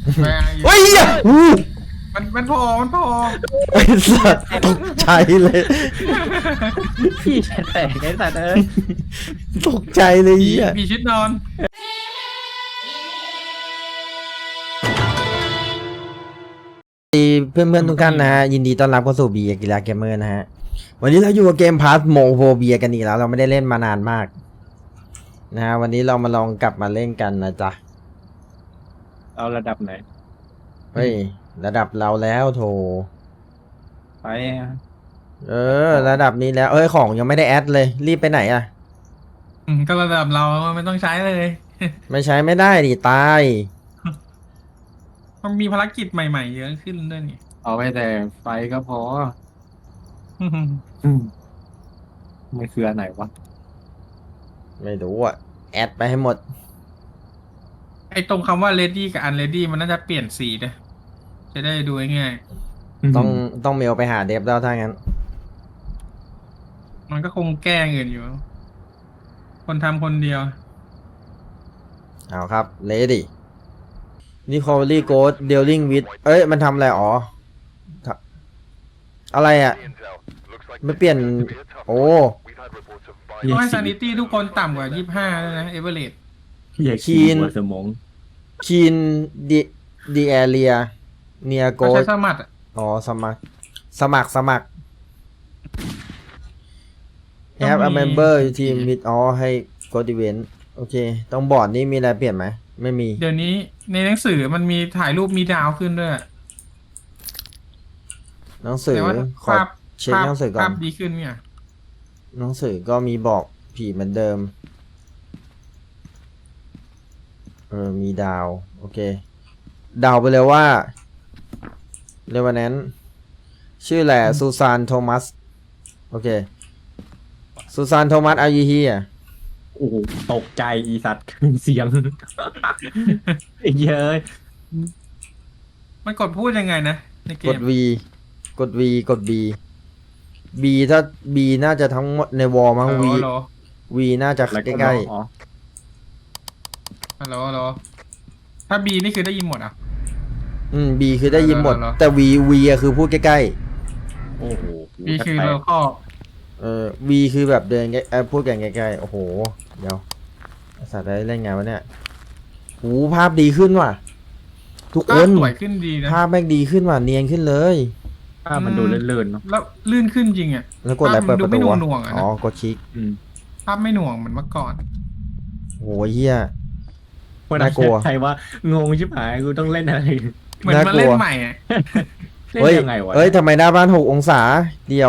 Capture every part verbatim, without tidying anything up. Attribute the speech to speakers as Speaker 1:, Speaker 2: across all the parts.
Speaker 1: เฮ้ยอู้
Speaker 2: มันมันพอมันพอ
Speaker 1: ไอ้สัตว์ตกใจเลย
Speaker 3: พี่แฉแตกไอ้สัตว์เอ้ย
Speaker 1: ตกใจเลย
Speaker 2: ผี
Speaker 1: เฮีย
Speaker 2: ผีชุดนอน
Speaker 1: เพื่อนเพื่อนๆทุกท่านนะฮะยินดีต้อนรับเข้าสู่บีกีฬาเกมเมอร์นะฮะวันนี้เราอยู่กับเกมพาร์ทโมโฟเบียกันอีกแล้วเราไม่ได้เล่นมานานมากนะฮะวันนี้เรามาลองกลับมาเล่นกันนะจ๊ะ
Speaker 3: เอาระดับไหน
Speaker 1: เฮ้ยระดับเราแล้วโถ
Speaker 3: ไป
Speaker 1: เออระดับนี้แล้วเอ้ยของยังไม่ได้แอดเลยรีบไปไหนอ่ะ
Speaker 2: อืมก็ระดับเราไม่ต้องใช้เลย
Speaker 1: ไม่ใช้ไม่ได้ดิตาย
Speaker 2: มันมีภารกิจใหม่ๆเยอะขึ้นด้วยนี่
Speaker 3: เอาไปแต่ไฟก็พอมันคืออันไหนวะ
Speaker 1: ไม่รู้อ่ะแอดไปให้หมด
Speaker 2: ไอ้ตรงคำว่า ready กับ unready มันน่าจะเปลี่ยนสีนะจะได้ดูง่าย
Speaker 1: ต้องต้องเมลไปหาเดฟแล้วถ้างั้น
Speaker 2: ๆมันก็คงแก้เงินอยู่ คนทำคนเดียว
Speaker 1: เอาครับเลดี้นี่คอร์ลี่โกดเดลลิงวิดเอ้ยมันทำอะไรอ๋อทำอะไรอ่ะไม่เปลี่ยนโอ้
Speaker 2: ต้องให้ sanity ทุกคนต่ำกว่ายี่สิบห้าด้วยนะ average
Speaker 3: อย่า
Speaker 1: คี
Speaker 3: ขี้
Speaker 1: น
Speaker 3: หัวสมอง
Speaker 1: คีนดีดีแอเรียเนียโก
Speaker 2: ก็
Speaker 1: ด
Speaker 2: ใช้สมัครอะ
Speaker 1: อ๋อสมัครสมัครสมัคร have a member team with อ๋อให้กดอีเวนต์โอเคต้องบอร์ดนี้มีอะไรเปลี่ยนไหมไม่มี
Speaker 2: เดี๋ยวนี้ในหนังสือมันมีถ่ายรูปมีดาวขึ้นด้วย
Speaker 1: หนังสือ
Speaker 2: แต่ว่า
Speaker 1: ขอ
Speaker 2: ภาพ
Speaker 1: เช็คหนังสือก่อ
Speaker 2: ภาน พดีขึ้นเนี่ย
Speaker 1: หนังสือก็มีบอกผีเหมือนเดิม เออ มีดาว โอเค ดาวไปเลยว่าเรวันแนนชื่อแหละซูซานโทมัส โอเค ซูซานโทมัสอายุเฮีย
Speaker 3: โอ้โหตกใจอีสัตว์ เสียงไอ้เย้ย
Speaker 2: มันกดพูดยังไงนะในเก
Speaker 1: กด
Speaker 2: ม
Speaker 1: V กด V กด B B ถ้า B น่าจะทั้งหมดในวอลมั้ง V
Speaker 2: ฮัลโหล
Speaker 1: V น่าจะ
Speaker 3: แล้ว
Speaker 1: ใกล้
Speaker 3: อ๋อ
Speaker 2: ฮัลโหลฮัลโหลถ้า B นี่คือได้ยินหมดอ่ะ
Speaker 1: ๆอืม B คือได้ยินหมด
Speaker 2: เหรอ
Speaker 1: แต่ V V อะคือพูดใกล้
Speaker 3: โอ้โห
Speaker 2: B คือเราข้อ
Speaker 1: ๆ เออ V คือแบบเดินใกล้เออพูดกันใกล้ๆ โอ้โห เดี๋ยวไอ้สัตว์ได้เล่นไงวะเนี่ยหูภาพดีขึ้นว่ะ ทุก
Speaker 2: ก็
Speaker 1: คน
Speaker 2: สวยขึ้นดีนะ
Speaker 1: ภาพแม่งดีขึ้นว่ะ เนียนขึ้นเลย
Speaker 3: ภาพมันดูเลื่อนๆเนาะ
Speaker 2: แล้วลื่นขึ้นจริงอ่ะ
Speaker 1: แล้วกดอะไรเปิดประตู
Speaker 2: ภาพมันดูไม่
Speaker 1: วะ
Speaker 2: หน่วงๆอะนะ
Speaker 1: อ๋อ กดคลิก
Speaker 3: อืม
Speaker 2: ภาพไม่หน่วงเหมือนเมื่อก่อน
Speaker 1: โหเฮีย
Speaker 3: คน
Speaker 1: น่ากลัว
Speaker 3: ใครว่างงชิบหายกูต้องเล่นอะไร
Speaker 2: เหมือนมาเล่นใหม่อ่ะ
Speaker 3: เล่น
Speaker 1: เฮ้ย
Speaker 3: ยังไงวะ
Speaker 1: เฮ้ยทำไมหน้าบ้านหกองศา เดี๋ยว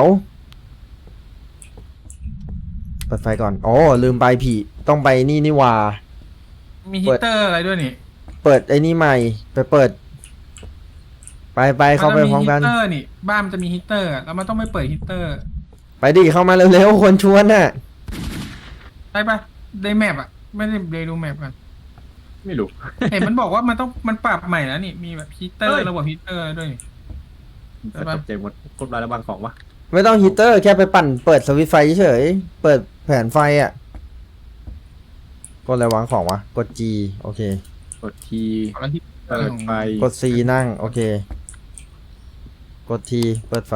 Speaker 1: เปิดไฟก่อน อ๋อ ลืมไปผีต้องไปนี่นี่หว่า
Speaker 2: มีฮีตเตอร์อะไรด้วยนี่
Speaker 1: เปิดไอ้นี่ใหม่ ไปเปิด ไปไปเข้าไปพร้อมกัน
Speaker 2: ฮีตเตอร์นี่บ้านมันจะมีฮีตเตอร์อะแล้วมันต้องไม่เปิดฮีตเตอร์
Speaker 1: ไปดิเข้ามาเร็วๆคนชวนน่ะ
Speaker 2: ใช่ปะในแมปอ่ะไม่ได้ไปดูแมปกัน
Speaker 3: ไม่รู้
Speaker 2: เห็นมันบอกว่ามันต้องมันปรับใหม่แล้วนี่มีแบบฮีตเตอ
Speaker 3: เฮ้
Speaker 2: ร์
Speaker 3: ย
Speaker 2: ระบบฮีตเตอร์ด้วยนี่ ใช่ปะ
Speaker 3: ตกใจหมดกดรายระบางของวะ
Speaker 1: ไม่ต้องฮีตเตอร์แค่ไปปั่นเปิดสวิตช์ไฟเฉยๆเปิดแผนไฟอ่ะ กดอะไรวางของวะ กด G โอเค
Speaker 3: กดที
Speaker 2: ของแล้วที่
Speaker 3: เปิดไฟ
Speaker 1: กด C นั่ง โอเค กด T เปิดไฟ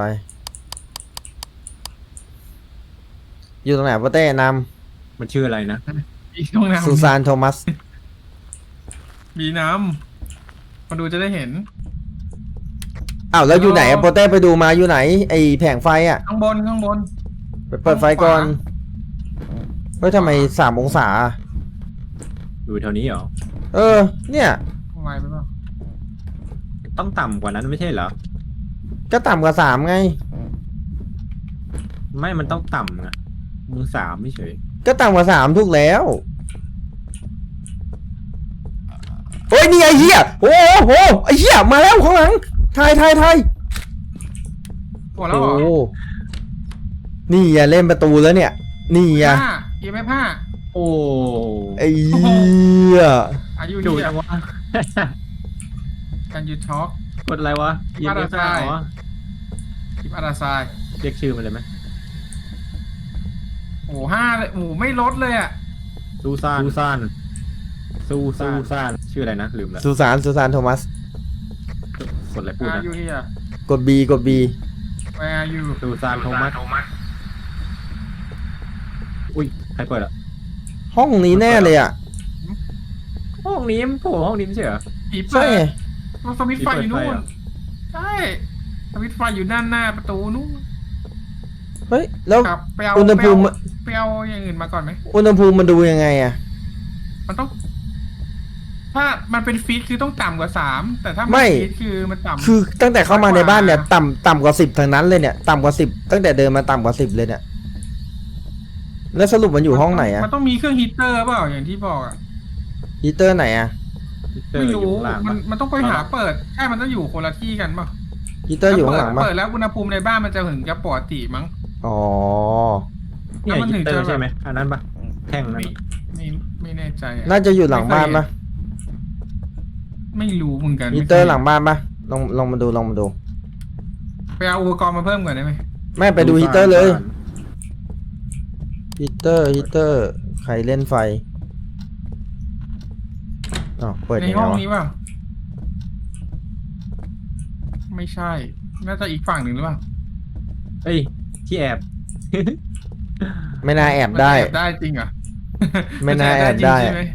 Speaker 1: อยู่ตรงไหนพ่อเต้น
Speaker 3: มันชื่ออะไรนะ
Speaker 2: มีช่อง
Speaker 1: ำ
Speaker 2: น้ำ
Speaker 1: ซูซานโทมัส
Speaker 2: มีน้ำมาดูจะได้เห็น
Speaker 1: อ้าวแล้วอยู่ไหนอะโปเต้ไปดูมาอยู่ไหน ไอแผงไฟอ่ะ
Speaker 2: ข้างบนข้างบน
Speaker 1: ไปเปิดไฟก่อน เฮ้ยทำไมสามองศา
Speaker 3: อยู่แถวนี้เหรอ
Speaker 1: เออ เนี่ย
Speaker 2: ไวไปเปล่า
Speaker 3: ต้องต่ำกว่านั้นไม่ใช่เหรอ
Speaker 1: ก็ต่ำกว่าสามไง
Speaker 3: ไม่มันต้องต่ำอะมึงสามไม่เฉย
Speaker 1: ก็ต่ำกว่าสามถูกแล้วเฮ้ยนี่ไอ้เหี้ยโอ้โหไอ้เหี้ยมาแล้วข้างหลังทายทายทาย
Speaker 2: หมดแล้วเหรอ
Speaker 1: โอ้นี่อย่าเล่นประตูแล้วเนี่ย นี่อย่า
Speaker 2: ห้าเอฟห้า
Speaker 3: โอ้
Speaker 1: ไอ้เหี้ย
Speaker 2: อายุ
Speaker 3: ดู
Speaker 2: เย
Speaker 3: จั
Speaker 2: อะ
Speaker 3: งวะ
Speaker 2: กันยูท็อก
Speaker 3: กดอะไรวะยิง
Speaker 2: อะไร
Speaker 3: ไม่ได้เหรอ
Speaker 2: คลิปอาราไซาย
Speaker 3: เรียกชื่อมันเลยไหม
Speaker 2: โอ้โหห้าเลยโอ้โหไม่ลดเลยอ่ะ
Speaker 3: ซูซานซูซานซูซานซูซานชื่ออะไรนะลืมแล้ว
Speaker 1: สุสานสุสานโทมัส
Speaker 3: กดอะไรพูด
Speaker 2: อา
Speaker 3: นะ
Speaker 2: ยุเฮีย
Speaker 1: กด B กด B
Speaker 2: Where are you
Speaker 3: ซูซานโทมัสอุ้ยใครเปิดอ่ะ
Speaker 1: ห้องนี้แน่เลยอ่ะ
Speaker 3: ห้องนี้มันโผล่ห้องนี้ไม่ใช่เหรอ
Speaker 2: ผีเปิ
Speaker 1: ใช่
Speaker 2: ด
Speaker 1: ไง
Speaker 2: มันสวิตช์ไฟอยู่นู่
Speaker 3: ผีเปิดไฟ
Speaker 2: น
Speaker 3: เหรอ
Speaker 2: ใช่สวิตช์ไฟอยู่ด้านหน้าประตูนู่น
Speaker 1: เฮ้ย แล้ว
Speaker 2: ครับไปเอา
Speaker 1: อุณหภูมิ
Speaker 2: ไปเอาไปเอาอย่างอื่นมาก่อนไหม
Speaker 1: อุณหภูมิมันดูยังไงอ่ะ
Speaker 2: มันต้อง ถ้ามันเป็นฟีดคือต้องต่ำกว่าสามแต่ถ้า
Speaker 1: ไม่
Speaker 2: ฟีดคือมันต่ำ
Speaker 1: คือตั้งแต่เข้ามาในบ้านเนี่ย
Speaker 2: มากกว่า
Speaker 1: ต่ำต่ำกว่าสิบทางนั้นเลยเนี่ย ต่ำกว่าสิบตั้งแต่เดินมาต่ำกว่าสิบเลยเนี่ย แล้วสรุปมันอยู่ห้องไหนอ่ะ
Speaker 2: มันต้องมีเครื่องฮีตเตอร์เปล่าอย่างที่บอกอ่ะ
Speaker 1: ฮีเตอร์ไหนอ่ะ
Speaker 3: เจอ
Speaker 2: ไม่
Speaker 3: อยู่
Speaker 2: รู้
Speaker 3: ข้างล่าง
Speaker 2: มัน
Speaker 3: ปะ
Speaker 2: มันต้องไปหาเปิดใช่มันต้องอยู่คนละที่กันเปล่า
Speaker 1: ฮีเตอร์อยู่ข้างหลังปะ
Speaker 2: เปิดแล้วอุณหภูมิในบ้านมันจะถึงจะปกติมั้ง
Speaker 1: อ๋อ
Speaker 3: เนี่ย
Speaker 2: แล้วมันถึ
Speaker 3: ฮี
Speaker 2: ง
Speaker 3: เตอ
Speaker 2: จะ
Speaker 3: ร์
Speaker 2: แบบ
Speaker 3: ใช่ไหมอันนั้นปะแท่งนั้น
Speaker 2: ไม่
Speaker 3: ปะ
Speaker 2: ไม่ไม่แน่ใจอะ
Speaker 1: น่าจะอยู่หลังบ้านปะ
Speaker 2: ไม่รู้เหมือนกัน
Speaker 1: ฮีเตอร์หลังบ้านปะลองลองมาดูลองมาดู
Speaker 2: ไปเอาอุปกรณ์มาเพิ่มก่อนได้ไหม
Speaker 1: ไม่ไปดูฮีเตอร์เลย ฮีเตอร์ฮีเตอร์ ใครเล่นไฟอ๋อเปิด
Speaker 2: ใน
Speaker 1: ยังไง
Speaker 2: ห้อง
Speaker 1: วะ
Speaker 2: นี้เปล่าไม่ใช่ น่าจะอีกฝั่งหนึ่งหรือเปล่า
Speaker 3: เอ้ยที่แอบ
Speaker 1: ไม่น่าแอบ
Speaker 2: มัน
Speaker 1: ได้
Speaker 2: แอบได้จริงเหรอ
Speaker 1: ไม่น่าแอบได้
Speaker 2: มันจะจริงใช่ไหม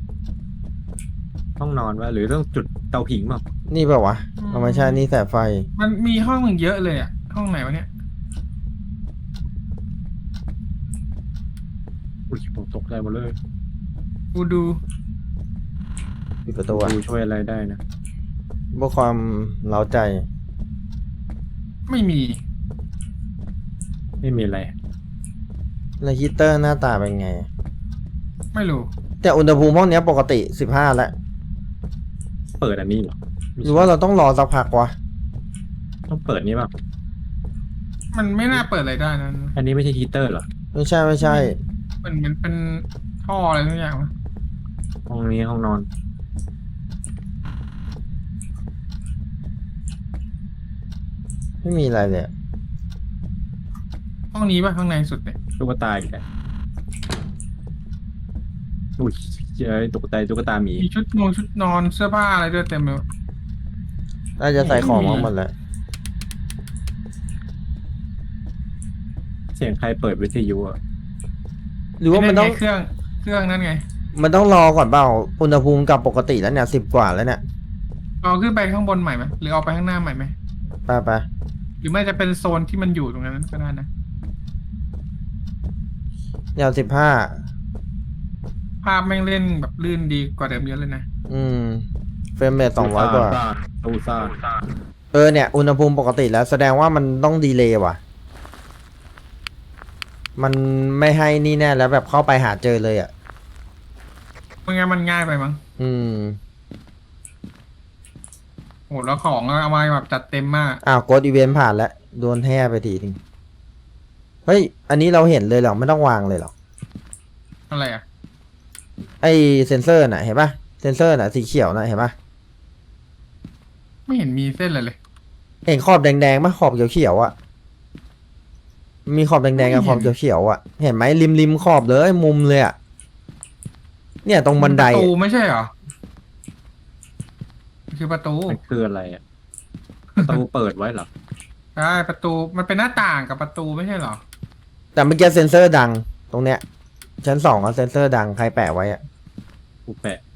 Speaker 3: ห้องนอนวะหรือต้องจุดเตาผิงมั้ง
Speaker 1: นี่เปล่าวะเอาไม่ใช่นี่แสบไฟ
Speaker 2: มันมีห้องหนึ่งเยอะเลยอ่ะ ห้องไหนวะเนี่ย
Speaker 3: อุ้ยผมตกใจหมดเลย
Speaker 2: กูดู
Speaker 1: ปิดประตูอ่ะ
Speaker 3: ดูช่วยอะไรได้นะ
Speaker 1: เพื่อความเล้าใจ
Speaker 2: ไม่มี
Speaker 3: ไม่มีอะไร
Speaker 1: แล้วฮีเตอร์หน้าตาเป็นไง
Speaker 2: ไม่รู้
Speaker 1: แต่อุณหภูมิห้องเนี้ยปกติสิบห้าแล้ว
Speaker 3: เปิดอันนี้เหรอไม่
Speaker 1: ห
Speaker 3: ใช่
Speaker 1: รือว่าเราต้องรอสักพักวะ
Speaker 3: ต้องเปิดนี้ป่ะ
Speaker 2: มันไม่น่าเปิดอะไรได้นะ
Speaker 3: อันนี้ไม่ใช่ฮีเตอร์เหรอ
Speaker 1: ไม่ใช่ไม่ใช่
Speaker 2: มันเหมือนเป็นท่ออะไรทุกอย่างวะ
Speaker 3: ห้องนี้ห้องนอน
Speaker 1: ไม่มีอะไรเลยอะ
Speaker 2: ห้องนี้ป่ะข้างในสุดเนี่ย
Speaker 3: ตุ๊กตาอีกแล้วอุ้ยเจ้ยตุ๊กตาตุ๊กตาหมี
Speaker 2: มีชุดนอนชุดนอนเสื้อผ้าอะไรด้วยเต็มเลย
Speaker 1: น่าจะใส่ของมาหมดแล้ว
Speaker 3: เสียงใครเปิดวิทยุอ่ะ
Speaker 1: หรือว่ามันต้อง
Speaker 2: ไไเครื่องเครื่องนั้นไง
Speaker 1: มันต้องรอก่อนเปล่า อุณหภูมิกลับปกติแล้วเนี่ยสิบกว่าแล้วเนี่ย
Speaker 2: เอาขึ้นไปข้างบนใหม่ไหมหรือเอาไปข้างหน้าใหม่ไหม
Speaker 1: ไปไป
Speaker 2: หรือไม่จะเป็นโซนที่มันอยู่ตรงนั้นก็ได้นะ
Speaker 1: เดี๋ยวสิบห้า
Speaker 2: ภาพแม่งเล่นแบบลื่นดีกว่าเดิมเยอะเลยนะ
Speaker 1: อืม เฟรมเรทสองร้อยกว่า
Speaker 3: ตูซ่า
Speaker 1: เออเนี่ย อุณหภูมิปกติแล้วแสดงว่ามันต้องดีเลย์ว่ะ มันไม่ให้นี่แน่แล้วแบบเข้าไปหาเจอเลยอ่ะ
Speaker 2: ไม่งั้นมันง่ายไปมั้ง
Speaker 1: อืม
Speaker 2: โหแล้วของเอามาแบบจัดเต็มมาก
Speaker 1: อ้าวกดอีเวนต์ผ่านแล้ว โดนแห่ไปทีนึงเฮ้ย อันนี้เราเห็นเลยเหรอ ไม่ต้องวางเลยเหรอ
Speaker 2: อะไรอ่ะ
Speaker 1: ไอเซนเซอร์น่ะ เห็นปะเซนเซอร์น่ะสีเขียวน่ะ เห็นปะ
Speaker 2: ไม่เห็นมีเส้นเลยเลย
Speaker 1: เห็นขอบแดงๆปะขอบเขียวๆอ่ะ มีขอบแดงๆกับขอบเขียวๆอ่ะ เห็นไหมริมริมๆขอบเลยมุมเลยอ่ะ เนี่ยตรงบันได
Speaker 2: ประตู
Speaker 1: อะ
Speaker 2: ไม่ใช่เหรอมันคือประตู
Speaker 3: มันคืออะไรอ่ะประตูเปิดไว้เหรอ
Speaker 2: ใช่ประตูมันเป็นหน้าต่างกับประตูไม่ใช่เหรอ
Speaker 1: แต่เมื่อกี้เซนเซอร์ดัง ตรงเนี้ย ชั้นสองอะเซนเซอร์ดังใครแปะไว้อะ
Speaker 3: กูแปะ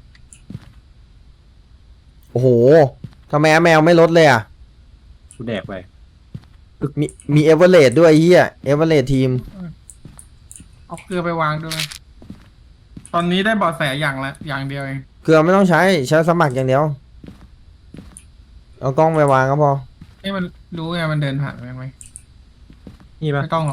Speaker 1: โอ้โหทำไมแมวไม่ลดเลยอ่ะ
Speaker 3: กูแดกไป
Speaker 1: มีมีเอเวอเรสด้วยไอ้เฮียเอเวอเรสทีม
Speaker 2: เอาเกลือไปวางด้วย ตอนนี้ได้เบาะแสอย่างละอย่างเดียวเอง
Speaker 1: เกลือไม่ต้องใช้ใช้สมัครอย่างเดียว เอากล้องไปวางก็พอ
Speaker 2: นี่มันรู้ไงมันเดินผ่านไหม
Speaker 3: นี่ปะ
Speaker 2: ไม่ต้องหรอก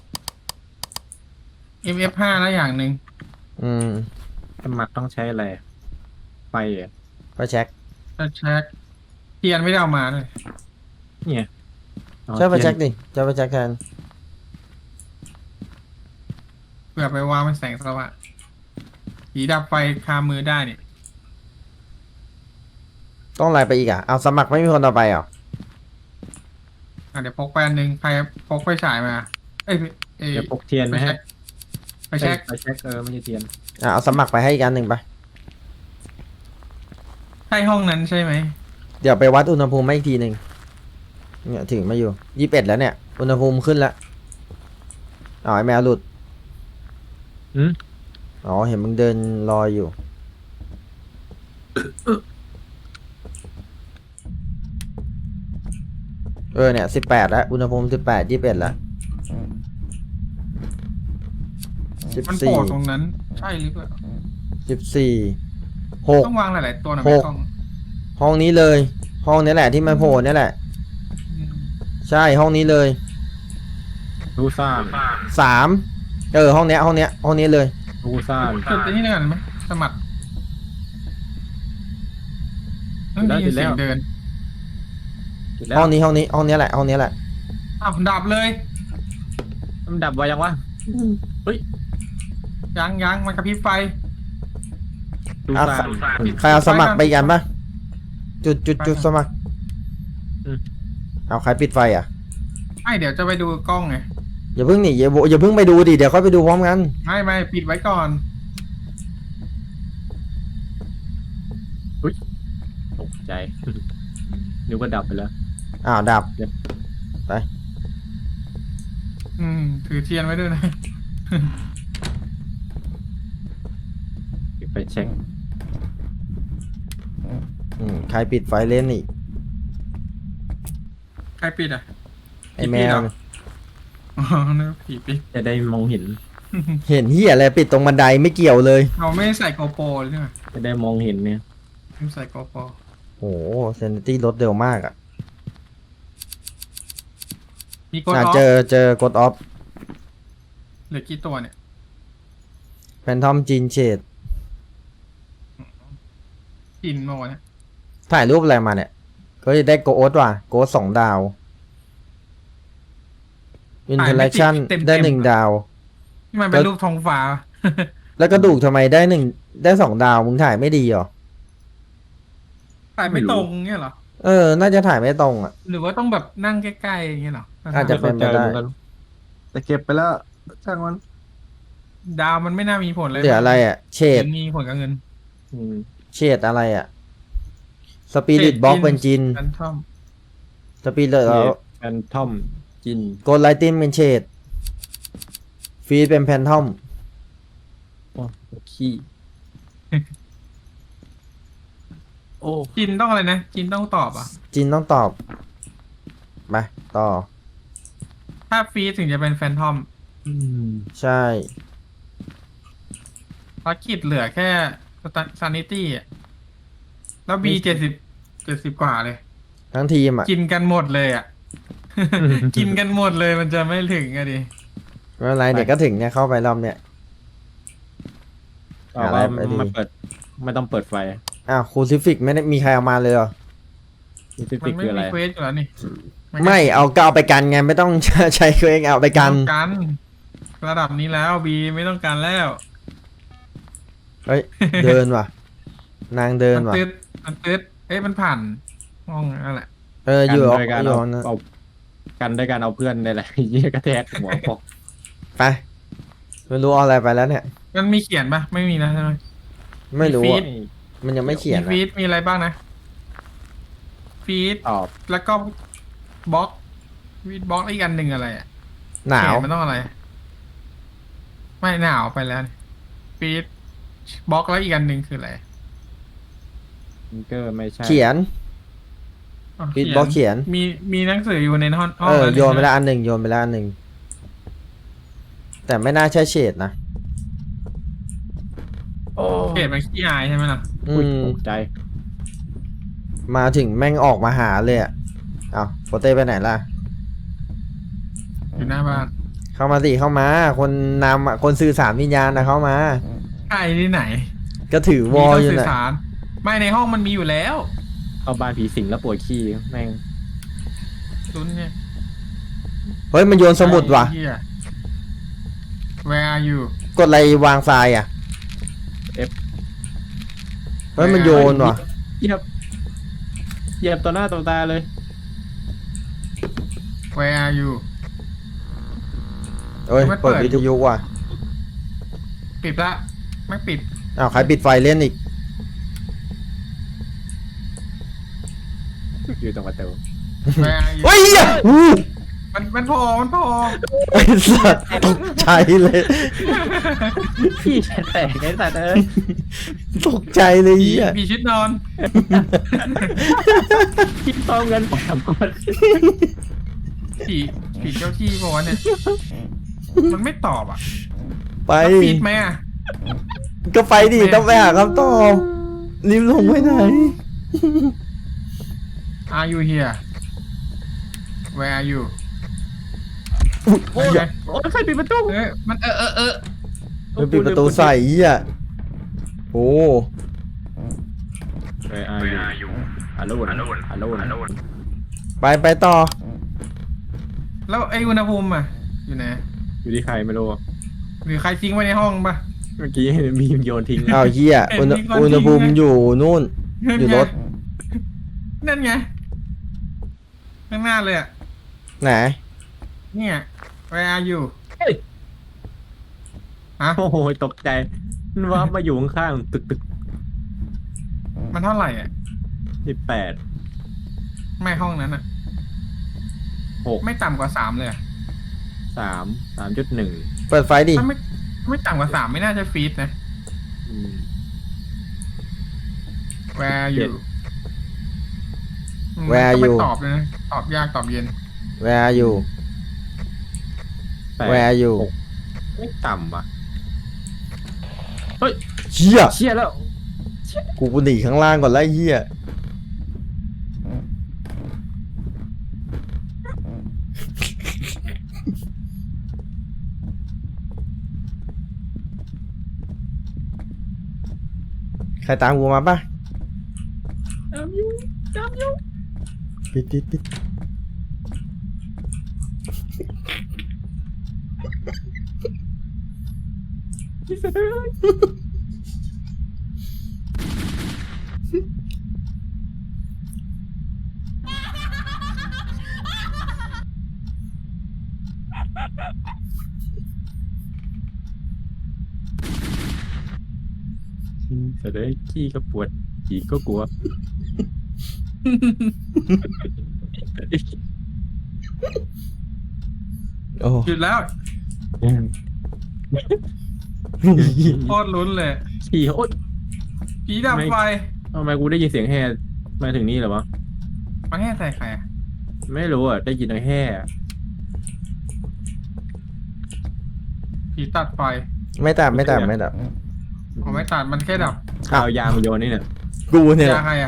Speaker 2: เอ็ม เอฟ ห้า แล้วอย่างหนึ่ง
Speaker 1: อืม
Speaker 3: สมัครต้องใช้อะไรอะไฟอ่ะ
Speaker 1: ไปเช็ค
Speaker 2: จะเช็คเทียนไม่ได้เอามาเลย
Speaker 3: เนี่ยอ๋อ
Speaker 1: ใช่ไปเช็ค
Speaker 3: ทียน
Speaker 1: ดิใช่ไปเช็คแทน
Speaker 2: เผื่อไปวางเป็นแสงสว่างผีดับไฟคามือได้เนี่ย
Speaker 1: ต้องอะไรไปอีกอ่ะ เอาสมัครไม่มีคนต่อไปเหรอ
Speaker 2: อ่ะเดี๋ยวพกไปอันหนึ่งใครพกไฟฉายมา เอ้ยเอ้ย
Speaker 3: เดี๋ยวพกเทียน
Speaker 2: ไป
Speaker 3: ไหม
Speaker 2: เช็
Speaker 3: ฮะ
Speaker 2: คไปเช็ค
Speaker 3: ไปเช็คเออไม่ใช่เทียน
Speaker 1: อ่ะเอาสมัครไปให้อีกอันหนึ่งไป
Speaker 2: ใช่ห้องนั้นใช่ไหม
Speaker 1: เดี๋ยวไปวัดอุณหภูมิมาอีกทีหนึ่งเนี่ยถึงมาอยู่ยี่สิบเอ็ดแล้วเนี่ย อุณหภูมิขึ้นแล้วอ๋อไอแมวหลุด
Speaker 3: อืม
Speaker 1: อ๋อเห็นมึงเดินรออยู่ เออเนี่ยสิบแปดแล้วอุณหภูมิสิบแปดยี่สิบเอ็ดแล้วสิบ
Speaker 2: มันโผ
Speaker 1: สี่
Speaker 2: ล่ตรงนั้น ใช่หรือเปล่า
Speaker 1: สิบสี่หก
Speaker 2: ต้องวางหลายๆตัวหน่อย
Speaker 1: ห
Speaker 2: ไหม
Speaker 1: ก
Speaker 2: กล้อง
Speaker 1: ห้องนี้เลย ห้องนี้แหละที่มันโผล่เนี่ยแหละ
Speaker 2: อืม
Speaker 1: ใช่ห้องนี้เลย
Speaker 3: รูซ่าน
Speaker 1: สามเออห้องเนี้ยห้องเนี้ยห้องนี้เลย
Speaker 3: รูซ่าน
Speaker 2: จุดที่นี่กันไหมสมัครเฮ้ยได้ยินเสียงเดิน
Speaker 3: จุดแล้ว
Speaker 1: ห้องนี้ห้องนี้ห้องนี้แหละห้องนี้แหละ
Speaker 2: อ้าวดับเลย
Speaker 3: มันดับไว้ยังวะเฮ้ย
Speaker 2: ยังยังมันกระพริบไฟ
Speaker 3: รูซ่าน
Speaker 1: ใครเอาสมัครไปอีกกันปะจุดจุดจุดสมัคร
Speaker 3: อืม
Speaker 1: เอาใครปิดไฟอ่ะ
Speaker 2: ไม่เดี๋ยวจะไปดูกล้องไง
Speaker 1: อย่าเพิ่งหนีอย่าโวอย่าเพิ่งไปดูดิเดี๋ยวค่อยไปดูพร้อมกัน
Speaker 2: ไม่ไม่ปิดไว้ก่อน
Speaker 3: ตกใจ นึกว่าดับไปแล้ว
Speaker 1: อ้าวดับ
Speaker 2: อืม ถือเทียนไว้ด้วยนะ
Speaker 3: เดี๋ยวไปเช็ค
Speaker 1: อืมใครปิดไฟเล่นอีก
Speaker 2: ใครปิดอ่ะ
Speaker 1: ไอแม
Speaker 2: ปิดเหร
Speaker 1: ว
Speaker 2: อ อ๋อนึกว่าผีปิด
Speaker 3: จะได้มองเห็น
Speaker 1: เห็นเหี้ยอะไรปิดตรงบันไดไม่เกี่ยวเลย
Speaker 2: เราไม่ใส่โกโปรเลยใช่ไหม
Speaker 3: จะได้มองเห็นเนี่ย
Speaker 2: ไม่ใส่โกโปร
Speaker 1: โอ้โหเซนตี้ลดเร็วมากอ่ะ
Speaker 2: มีกดอ
Speaker 1: อ่ะ
Speaker 2: อฟ
Speaker 1: เจอเจอกดออฟ
Speaker 2: เหลือกี่ตัวเนี่ย
Speaker 1: แฟนทอมจีนเชด
Speaker 2: กินมาวันนี้
Speaker 1: ถ่ายรูปอะไรมาเนี่ย ก็จะได้โกโอสว่ะโกโอสสองดาวอินเทอร์แอคชั่นได้หนึ่งดาว
Speaker 2: ที่มันเป็นรูปทองฟ้า
Speaker 1: แล้วกระดูกทำไมได้หนึ่งได้สองดาวมึงถ่ายไม่ดีเหรอ
Speaker 2: ถ่ายไม่ตรงเงี้ยเหรอ
Speaker 1: เออ น่าจะถ่ายไม่ตรงอ่ะ
Speaker 2: หรือว่าต้องแบบนั่งใกล้ๆอย่างเงี้ยเหรอ
Speaker 1: อาจจะ เป็นไปได้
Speaker 3: ม่ข้าใจหมือนกันแต่เก็บไปแล้วช่างมัน
Speaker 2: ดาวมันไม่น่ามีผลเลย
Speaker 1: เหลืออะไรอ่ะ เชด
Speaker 2: มันมีผลกับเงิน
Speaker 3: อืม
Speaker 1: เชดอะไรอ่ะ สปิริตบ็อกเป็นจิน
Speaker 2: กันท่อม
Speaker 1: สปิริตแล้ว
Speaker 3: แฟนทอมจิน
Speaker 1: โกลไลตินเป็นเชดฟีดเป็นแพนทอม
Speaker 3: โอ้ขี้ โอ้
Speaker 2: จินต้องอะไรนะจินต้องตอบอ่ะ
Speaker 1: จินต้องตอบ มา ต่อ
Speaker 2: ถ้าฟีดถึงจะเป็นแฟนทอม
Speaker 3: อืม
Speaker 1: ใช่
Speaker 2: ภารกิจเหลือแค่ซานิตี้อ่ะแล้วบีเจ็ดสิบเจ็ดสิบกว่าเลย
Speaker 1: ทั้งทีมอ่ะ
Speaker 2: กินกันหมดเลยอ่ะ กินกันหมดเลยมันจะไม่ถึงอะดิ
Speaker 1: ไม่เป็นไรเดี๋ยวก็ถึงเนี่ยเข้าไปรอบเนี่ย
Speaker 3: ต่อไป
Speaker 1: อะไรไปดี
Speaker 3: ไม่เปิด ไม่ต้องเปิดไฟ
Speaker 1: อ้าวคูซิฟิกไม่ได้มีใครเอามาเลยเหรอ
Speaker 3: นี่ฟิ
Speaker 2: มัน
Speaker 3: สิก
Speaker 2: ไม่
Speaker 3: คืออะไร
Speaker 2: มีเควสอยู่แล้วนี่นก็
Speaker 1: ไม่เอาก็เอาไปกันไงไม่ต้อง ใช้เครื่องเอาไปกัน
Speaker 2: ไม่ต้องกันระดับนี้แล้วบีไม่ต้องการแล้ว
Speaker 1: เฮ้ย เดินว่ะ นางเดิน
Speaker 2: มัน
Speaker 1: ว่ะ
Speaker 2: ตืดมันตืดเอ้ยมันผ่านห้องนั่นแหละ
Speaker 1: เอออยู่
Speaker 3: กันโดยการ
Speaker 1: อยู่
Speaker 3: เอา
Speaker 1: นะ
Speaker 3: เอากันด้วยการเอาเพื่อนได้แหละ เยี่ยกระแทกหัวปอก
Speaker 1: ไปไม่รู้เอาอะไรไปแล้วเนี่ย
Speaker 2: มันมีเขียนปะไม่มีนะใช่ไหม
Speaker 1: ไม่รู้
Speaker 2: ฟี
Speaker 1: อะ
Speaker 2: ด
Speaker 1: มันยังไม่เขียน
Speaker 2: มี
Speaker 1: อะ
Speaker 2: ฟีดมีอะไรบ้างนะฟีด
Speaker 3: ตอบ
Speaker 2: แล้วก็บล็อกฟีดบล็อกอีกอันหนึ่งอะไรอะ
Speaker 1: หนาว
Speaker 2: เขียมันต้องอะไร ไม่หนาวไปแล้วฟีดบล็อกแล้วอีกอันหนึ่งคืออะไร
Speaker 3: ฟิงเกอร์ไม่ใช่
Speaker 1: เขียน
Speaker 2: อ๋อ
Speaker 1: ฟีดบล็อกเขียน
Speaker 2: มีมีหนังสืออยู่ในห้องห้อง
Speaker 1: เออ
Speaker 2: แล้ว
Speaker 1: โยนไป
Speaker 2: ใช่หม
Speaker 1: แล้วอันหนึ่งโยนไปแล้วอันหนึ่งแต่ไม่น่าใช่เฉดนะ
Speaker 3: โอ้
Speaker 2: เขตมันขี้อายใช่ไหมล่ะ
Speaker 1: อื
Speaker 3: อุ๊ย
Speaker 1: ม
Speaker 3: ตกใจ
Speaker 1: มาถึงแม่งออกมาหาเลยอ่ะอ้าวโปเต้ไปไหนล่ะ
Speaker 2: อยู่หน้าบ้าน
Speaker 1: เข้ามาสิเข้ามา คนนำอ่ะคนสื่อสารวิญญาณนะเข้ามา
Speaker 2: ใช่ที่ไหน
Speaker 1: ก็ถือวอล
Speaker 2: มี
Speaker 1: อยู่
Speaker 2: สื่อ
Speaker 1: น่ะ
Speaker 2: สาร ไม่ในห้องมันมีอยู่แล้ว
Speaker 3: เข้าบ้านผีสิงแล้วปวดขี้แม่ง
Speaker 2: ซุนเนี่ย
Speaker 1: เฮ้ยมันโยนสมุดว่ะ
Speaker 2: ไอ้เหี้ย Where are you
Speaker 1: กดอะไรวางทรายอ่ะ
Speaker 3: F
Speaker 1: เฮ้ยมันโยนว่ะ
Speaker 3: เหยียบเหยียบต่อหน้าต่อตาเลย
Speaker 2: Where are you
Speaker 1: เอ้ย
Speaker 2: มันเปิ
Speaker 1: เปิ
Speaker 2: ด
Speaker 1: ดวิทยุว่ะ
Speaker 2: ปิดละ ไม่ปิด
Speaker 1: อ้าวใครปิดไฟเล่นอีก
Speaker 3: อยู่ตรงประตู
Speaker 2: แวร์อยู่
Speaker 1: เฮ้ยเหี้ยอู้
Speaker 2: มันมันโผล่มันโผล่
Speaker 1: ไอ้สัตว์ตกใจเลย
Speaker 3: พี่แตกไอ้สัตว์เอ้ย
Speaker 1: ตกใจเลย
Speaker 2: ผี
Speaker 1: เหี้ย
Speaker 2: ผีชุดนอน
Speaker 3: คิดต้องเงินสามคน
Speaker 2: ผีผีเจ้าที่บอกว่าวะเนี่ย มันไม่ตอบอ่ะ
Speaker 1: ไป
Speaker 2: แล้วปิดไหมอ่ะ
Speaker 1: ก็ไปดิต้องไปหาคำตอบริมลงไปไหน
Speaker 2: Are you here Where are you
Speaker 3: โอ้ยโอ้ยใครปิดประตู
Speaker 2: เอ้ยมันเออเออเออ
Speaker 1: มันปิดประตูใส่เหี้ยโอ้
Speaker 3: เฮ้ยอายุฮัลโหลฮัลโหลฮัลโหลฮัลโหล
Speaker 1: ไปไปต่อ
Speaker 2: แล้วไออุณหภูมิอ่ะ อยู่ไหน
Speaker 3: อยู่ที่ใครไม่รู้
Speaker 2: หรือใครทิ้งไว้ในห้องปะ
Speaker 3: เมื่อกี้มีโยนทิ้ง
Speaker 1: อ้าวเหี้ยอุณห
Speaker 2: เห็นมีคน
Speaker 1: อุณหภูมิ
Speaker 2: ทิ้งนะ
Speaker 1: อยู่นู่น อยู่รถ
Speaker 2: นั่นไง ข้างหน้าเลยอ่ะ
Speaker 1: ไหน
Speaker 2: เนี่ย Where are you
Speaker 3: เฮ้ย
Speaker 2: ฮะ
Speaker 3: โอ้โหตกใจมันว่ามาอยู่ข้างๆตึกตึก
Speaker 2: มันเท่าไหร่อ่ะ
Speaker 3: สิบแปด
Speaker 2: ไม่ห้องนั้นอ่ะ
Speaker 3: หก
Speaker 2: ไม่ต่ำกว่าสามเลยอะ
Speaker 3: สามสามจุดหนึ่ง
Speaker 1: เปิดไฟดิ
Speaker 2: ถ้าไม่ไม่ต่ำกว่าสามไม่น่าจะฟีดนะ Where are
Speaker 3: เจ็ด
Speaker 2: you อืม
Speaker 1: Where are
Speaker 2: ต้องไป
Speaker 1: you
Speaker 2: ตอบเลยนะ ตอบยากตอบเย็น
Speaker 1: Where are you
Speaker 3: แปด
Speaker 1: Where are you
Speaker 3: หกไม่ต่ำอ่ะ
Speaker 1: เหี้ย
Speaker 3: เชี่ยแล้ว
Speaker 1: กูหนีข้างล่างก่อนไล่เหี้ยใครตามกูมาปะ
Speaker 3: จำอยู่จำอยู่
Speaker 1: ปิดปิดปิด
Speaker 3: พี่เสด็จ แต่ได้ขี้ก็ปวดผีก็กลัว
Speaker 1: โอ้
Speaker 2: หยุดแล้ว โคตรลุ้นเลย
Speaker 3: ผีโอ๊ย
Speaker 2: ผีดับไฟ
Speaker 3: ทำไมกูได้ยินเสียงแห่มาถึงนี่เหรอวะ
Speaker 2: มาให้ใส่ใครอะ
Speaker 3: ไม่รู้อ่ะ ได้ยินแต่แห่
Speaker 2: ผีตัดไฟ
Speaker 1: ไม่ตัดไม่ตัดไม่ตัด
Speaker 2: ผมไม่ตัดมันแค่ดับ
Speaker 3: ข่าวยามาโยนนี่เนี่ย
Speaker 1: กูเนี่ยแห
Speaker 2: ยา
Speaker 1: ละ
Speaker 2: ใครอ่ะ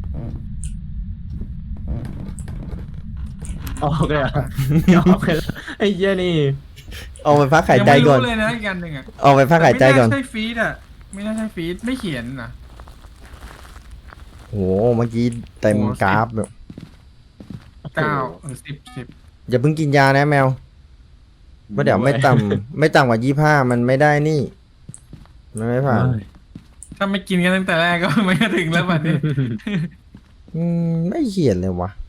Speaker 3: ออกเลยอ่ะออกเลยไอ้เหี้ยนี่
Speaker 1: เอาไปพักหาย
Speaker 2: ยัง
Speaker 1: ใจ
Speaker 2: ไม่
Speaker 1: ก่อ
Speaker 2: รู้
Speaker 1: น
Speaker 2: เลยนะอีกอันหนึ่งอ่ะ
Speaker 1: เอาไปพักหายใจก่อน
Speaker 2: ไม่น่าใช่ฟีดอ่ะ ไม่น่าใช่ฟีดไม่เขียนนะ
Speaker 1: โอ้โหเมื่อกี้เต็ม
Speaker 2: โอ้โห
Speaker 1: กราฟแบบ
Speaker 2: เก้าหรือสิบสิบ
Speaker 1: อย่าเพิ่งกินยานะแมวว่าะเดี๋ยวไม่ต่ำไม่ต่ำกว่ายี่ห้ามันไม่ได้นี่ มันไม่ผ่าน
Speaker 2: ถ้าไม่กินกันตั้งแต่แรกก็ ไม่ถึงแล้วบัดนี้
Speaker 1: อืมไม่เขียนเลยวะ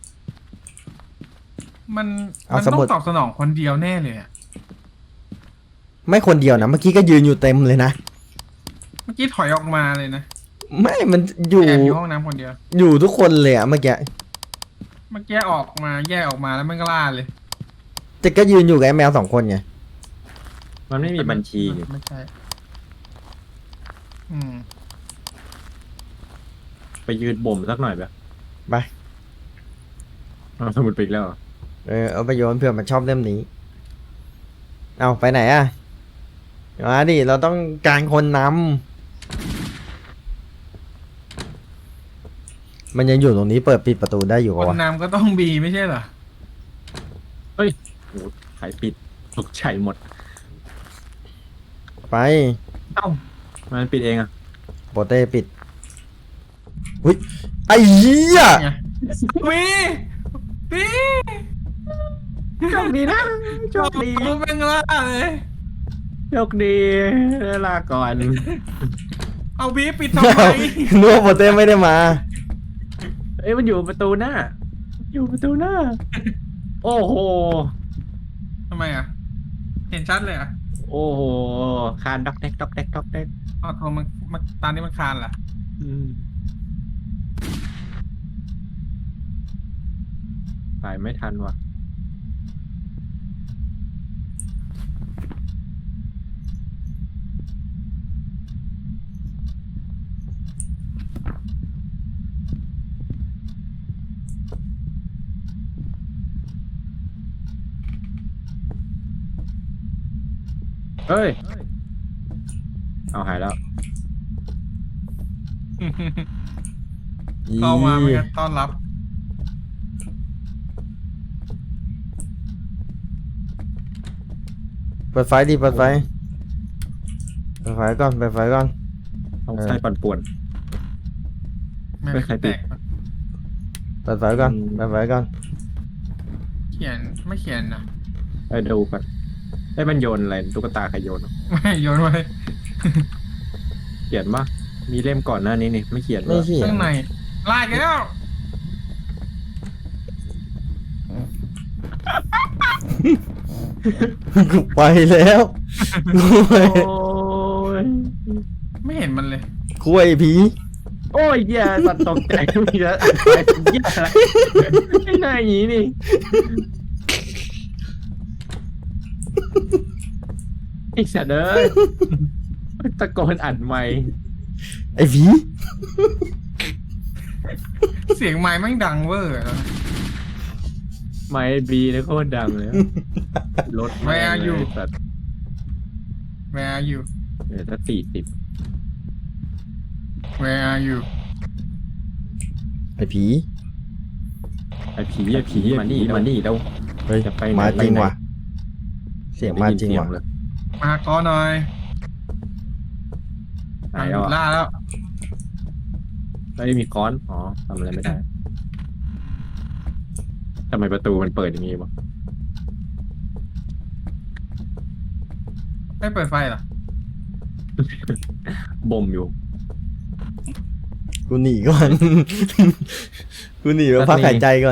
Speaker 2: มัน
Speaker 1: เอา
Speaker 2: มัน
Speaker 1: ส
Speaker 2: ต้อ
Speaker 1: มุด
Speaker 2: งตอบสนองคนเดียวแน่เลยอ่ะ
Speaker 1: ไม่คนเดียวนะเมื่อกี้ก็ยืนอยู่เต็มเลยนะ
Speaker 2: เมื่อกี้ถอยออกมาเลยนะ
Speaker 1: ไม่มันอยู่
Speaker 2: แอบอยู่ห้องน้ำคนเดียว
Speaker 1: อยู่ทุกคนเลยอะเมื่อกี้
Speaker 2: เมื่อกี้ออกมาแยกออกมาแล้วมันก็ล่าเลย
Speaker 1: แต่ก็ยืนอยู่กับไอ้แมวสองคนไง
Speaker 3: มันไม่มีบัญชีนี่
Speaker 2: ไม่ใช่ อืม
Speaker 3: ไปยืนบ่มสักหน่อยแบบ
Speaker 1: ไป
Speaker 3: เอาสมุดไปอีกแล้วเหรอ
Speaker 1: เออเอาไปโยนเผื่อมันชอบเล่มนี้ เอาไปไหนอะมาดิเราต้องการคนนำมันยังอยู่ตรงนี้เปิดปิดประตูได้อยู่
Speaker 2: ค
Speaker 1: ปะ
Speaker 2: น
Speaker 1: วะ
Speaker 2: นำก็ต้องบีไม่ใช่เหรอ
Speaker 3: โอ้ขายปิดตกใจหมด
Speaker 1: ไป
Speaker 3: เอ้ามันปิดเองอ่ะ
Speaker 1: โปเต้ปิดหุ้ยไอ้เหี้ย
Speaker 2: ไงมีมี
Speaker 3: โชคดีนะโชคดี
Speaker 2: รูปเป็นล่าเลย
Speaker 3: โชคดีลาก่อน
Speaker 2: เอาบีปิดทำไม
Speaker 1: นึกว่าโปเต้ไม่ได้มา
Speaker 3: เอ้ยมันอยู่ประตูหน้า อยู่ประตูหน้า โอ้โห
Speaker 2: ทำไมอ่ะ เห็นชัดเลยอ่ะ
Speaker 3: โอ้โห คานด็อกแดกด็อกแดกด็อกแดก
Speaker 2: เอาโทรมันมันตอนนี้มันคานล่ะ
Speaker 3: อืมถ่ายไม่ทันว่ะเฮ้ย เอาหายแล้ว
Speaker 2: เข้ามาไม่กันต้อนรับ
Speaker 1: เปิดไฟดิเปิดไฟเปิดไฟก่อนเปิดไฟก่อน
Speaker 3: ต้องใช้ปั่นป่วน
Speaker 2: ไม่
Speaker 3: ไม่ใครปิ
Speaker 2: แต
Speaker 3: ด
Speaker 2: ก
Speaker 1: เปิดไฟก่อน
Speaker 3: อืม
Speaker 1: เปิดไฟก่อน
Speaker 2: เขียนไม่เขียนนะ
Speaker 3: ไปดูกันไอ้ยมันโยนอะไรตุ๊กตาใครโยนวะ
Speaker 2: ไม่โยนไว้
Speaker 3: เขียนปะมีเล่มก่อนหน้านี้นี่ไม่เขียน
Speaker 1: ไม่
Speaker 3: วะ
Speaker 1: เขียน
Speaker 2: ข้างในลากแล้ว
Speaker 1: กูไปแล้วกูไป
Speaker 3: โอ้ย
Speaker 2: ไม่เห็นมันเลย
Speaker 1: คุยผี
Speaker 3: โอ้ยแย่สัตว์ตกใจมีแล้วไปแย่ละไม่น่าอย่างนี้นี่ไอ้สัตว์เอ้ยตะโกนอัดไมค์
Speaker 1: ไอ้ผี
Speaker 2: เสียงไม้แม่งดังเวอร์แล้วนะ
Speaker 3: ไมค์บีเลยโคตรดังเลยรถ
Speaker 2: Where are you?
Speaker 3: สัตว์
Speaker 2: Where are you
Speaker 3: เออถ้าสี่สิบ
Speaker 2: Where are you
Speaker 1: ไอ้ผี
Speaker 3: ไอ้ผีไอ้ผีมานี่มานี่แล้ว
Speaker 1: เฮ้ย
Speaker 3: จะไปไหน
Speaker 1: มาจริง
Speaker 3: ไปไหน
Speaker 1: ว่ะเสียงมาจริงว่ะ
Speaker 3: เลย
Speaker 2: มาก้อนหน่อย
Speaker 3: ไหน
Speaker 2: มันหยุ
Speaker 3: อ่ะ
Speaker 2: ดล่าแล้ว
Speaker 3: ไม่ได้มีค้อนอ๋อทำอะไรไม่ได้ทำไมประตูมันเปิดอย่างงี้วะ
Speaker 2: ไม่เปิดไฟเหรอ
Speaker 3: บ่มอยู่
Speaker 1: กูหนีก่อน กูหนีมาพักหายใจก่อน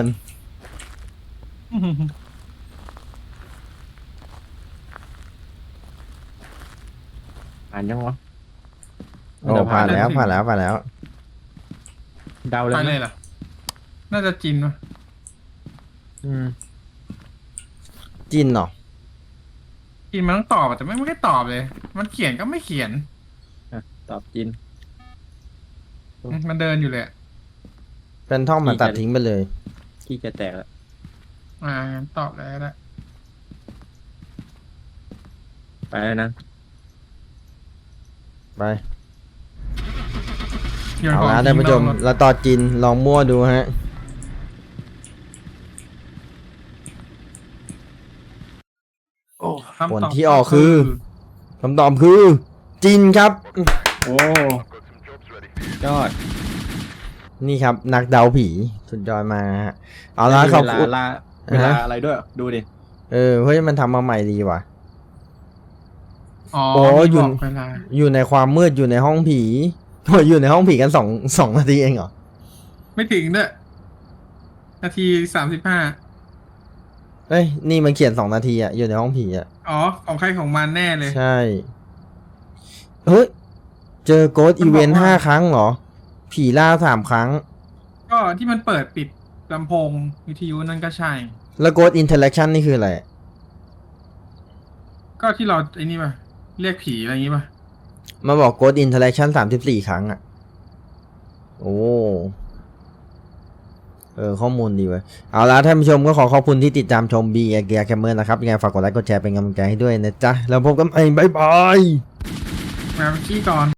Speaker 3: อ่านยังวะ
Speaker 1: โอ้ผ่านแล้วผ่านแล้วผ่านแล้ว
Speaker 3: เดา
Speaker 2: ไป
Speaker 3: แล้ว
Speaker 2: เลยเหรอ น่าจะจินวะ
Speaker 3: อืม
Speaker 1: จินเหรอ
Speaker 2: จินมันต้องตอบอะแต่ไม่ไม่ได้ตอบเลย มันเขียนก็ไม่เขียน
Speaker 3: อ่ะตอบจิน
Speaker 2: มันเดินอยู่เลยอะ
Speaker 1: เป็นท่องมาตัดทิ้งไปเลย
Speaker 3: ขี้จะแตกแล้ว
Speaker 2: อ่างั้นตอบแล้วก็ได้
Speaker 3: ไปแล้วนะ
Speaker 1: ไป
Speaker 2: โยน
Speaker 1: เอา
Speaker 2: ของ
Speaker 1: ละท่านผู้ชม
Speaker 2: ทิ้งนอกรถ
Speaker 1: เราต่อจินลองมั่วดูฮะ
Speaker 2: คำตอบ
Speaker 1: ผลที่ออกคือ คำตอบคือ จินครับ
Speaker 3: โอ้ยอด
Speaker 1: นี่ครับ นักเดาผีสุดยอดมากฮะเอาละ
Speaker 3: ไม่มี
Speaker 1: ขอบ
Speaker 3: เวลา
Speaker 1: คุณ
Speaker 3: ลาเวลา
Speaker 1: ฮะ
Speaker 3: อะไรด้วย ดูดิ
Speaker 1: เออเฮ้ยมันทำมาใหม่ดีว่ะ
Speaker 2: อ๋อ
Speaker 1: โอ้
Speaker 2: มี
Speaker 1: อยู่
Speaker 2: บอกเวลา
Speaker 1: อยู่ในความมืดอยู่ในห้องผีโอ้ยอยู่ในห้องผีกันสองสองนาทีเองเหรอ
Speaker 2: ไม่ถึงด้วยนาทีสามสิบห้า
Speaker 1: เฮ้ย นี่มันเขียนสองนาทีอะอยู่ในห้องผีอะ
Speaker 2: อ๋อ ของใครของมันแน่เลย
Speaker 1: ใช่ เฮ้ย เจอโกด
Speaker 2: มัน
Speaker 1: อี
Speaker 2: บอก
Speaker 1: เวนต์
Speaker 2: ว่า
Speaker 1: ห้าครั้งเหรอ ผีล่าสามครั้ง
Speaker 2: ก็ที่มันเปิดปิดลำโพงวิทยุนั่นก็ใช่
Speaker 1: แล้วโกดอินเทอร์แอคชั่นนี่คืออะไร
Speaker 2: ก็ที่เราไอ้นี่ป่ะ เรียกผีอะไรอย่างงี้ป่ะ
Speaker 1: มาบอกโกดอินเทอร์แอคชั่นสามสิบสี่ครั้งอะโอ้ เออ ข้อมูลดีเว้ย เอาละท่านผู้ชมก็ขอขอบคุณที่ติดตามชม บี เอ เกียร์แคมเมอร์นะครับ ยังไงฝากกดไลค์กดแชร์เป็นกำลังใจให้ด้วยนะจ๊ะ แล้วพบกันใหม่บ๊ายบาย
Speaker 2: มาขี้ก่อน